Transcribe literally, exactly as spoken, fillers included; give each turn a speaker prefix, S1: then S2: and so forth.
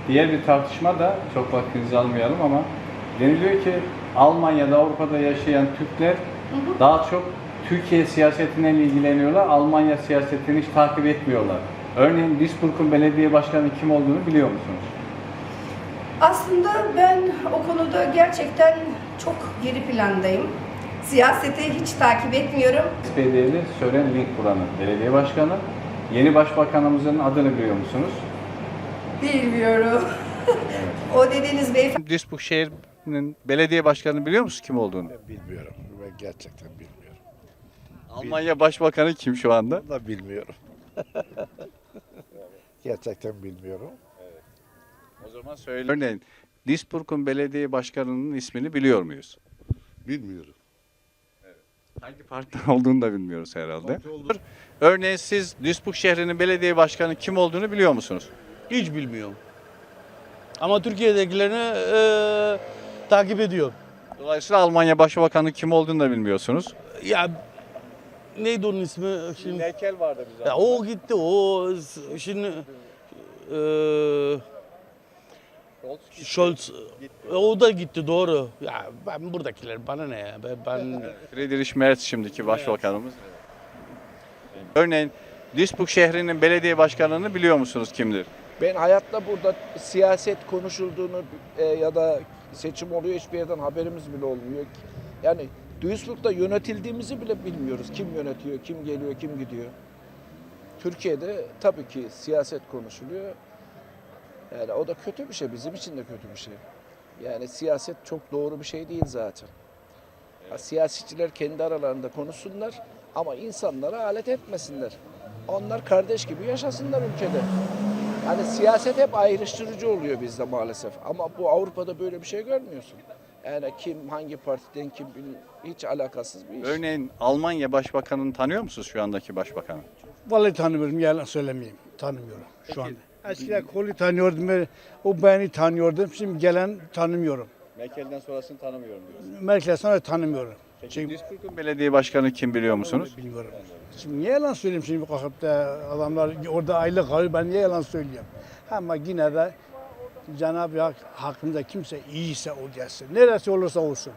S1: Diğer bir tartışma da, çok vaktinizi almayalım ama deniliyor ki Almanya'da, Avrupa'da yaşayan Türkler hı hı. daha çok Türkiye siyasetiyle ilgileniyorlar, Almanya siyasetini hiç takip etmiyorlar. Örneğin Duisburg'un belediye başkanı kim olduğunu biliyor musunuz?
S2: Aslında ben o konuda gerçekten çok geri plandayım. Siyaseti hiç takip etmiyorum.
S1: S P D'li Sören Link buranın belediye başkanı. Yeni başbakanımızın adını biliyor musunuz?
S2: Bilmiyorum.
S1: Evet.
S2: O dediğiniz beyefendi.
S1: Duisburg şehrinin belediye başkanını biliyor musunuz kim olduğunu?
S3: Ben bilmiyorum. Ben gerçekten bilmiyorum.
S1: Almanya Başbakanı kim şu anda?
S3: Bunu da bilmiyorum. Gerçekten bilmiyorum.
S1: O zaman söyle. Örneğin Duisburg'un belediye başkanının ismini biliyor muyuz?
S3: Bilmiyorum.
S1: Hangi partiden olduğunu da bilmiyoruz herhalde. Örneğin siz Duisburg şehrinin belediye başkanı kim olduğunu biliyor musunuz?
S4: Hiç bilmiyorum. Ama Türkiye'dekilerini eee takip ediyor.
S1: Dolayısıyla Almanya Başbakanı kim olduğunu da bilmiyorsunuz.
S4: Ya neydi onun ismi şimdi?
S1: Merkel vardı bize.
S4: Ya o gitti. O s- şimdi eee Scholz o da gitti doğru. Ya ben buradakiler bana ne ya? Ben, ben
S1: Friedrich Merz şimdiki başbakanımız. Örneğin Duisburg şehrinin belediye başkanını biliyor musunuz kimdir?
S5: Ben hayatta burada siyaset konuşulduğunu e, ya da seçim oluyor hiçbir yerden haberimiz bile olmuyor. Yani Duisburg'da yönetildiğimizi bile bilmiyoruz. Kim yönetiyor, kim geliyor, kim gidiyor. Türkiye'de tabii ki siyaset konuşuluyor. Yani o da kötü bir şey, bizim için de kötü bir şey. Yani siyaset çok doğru bir şey değil zaten. Ha, siyasetçiler kendi aralarında konuşsunlar ama insanlara alet etmesinler. Onlar kardeş gibi yaşasınlar ülkede. Yani siyaset hep ayrıştırıcı oluyor bizde maalesef. Ama bu Avrupa'da böyle bir şey görmüyorsun. Yani kim hangi partiden kim hiç alakasız bir iş.
S1: Örneğin Almanya Başbakanını tanıyor musunuz şu andaki başbakanı?
S6: Vallahi tanımıyorum, yalan söylemeyeyim. Tanımıyorum şu anda. Eskiden Kohl'ü tanıyordum, ben- o beni tanıyordum. Şimdi gelen tanımıyorum.
S1: Merkel'den sonrasını tanımıyorum diyorsunuz.
S6: Merkel sonra tanımıyorum. Çünkü
S1: Duisburg'un belediye başkanı kim biliyor musunuz?
S6: bilmiyorum. Şimdi niye yalan söyleyeyim şimdi kalkıp da adamlar orada aylık alıyor, ben niye yalan söyleyeyim? Ama yine de Cenab-ı Hak hakkında kimse iyiyse o gelsin. Neresi olursa olsun.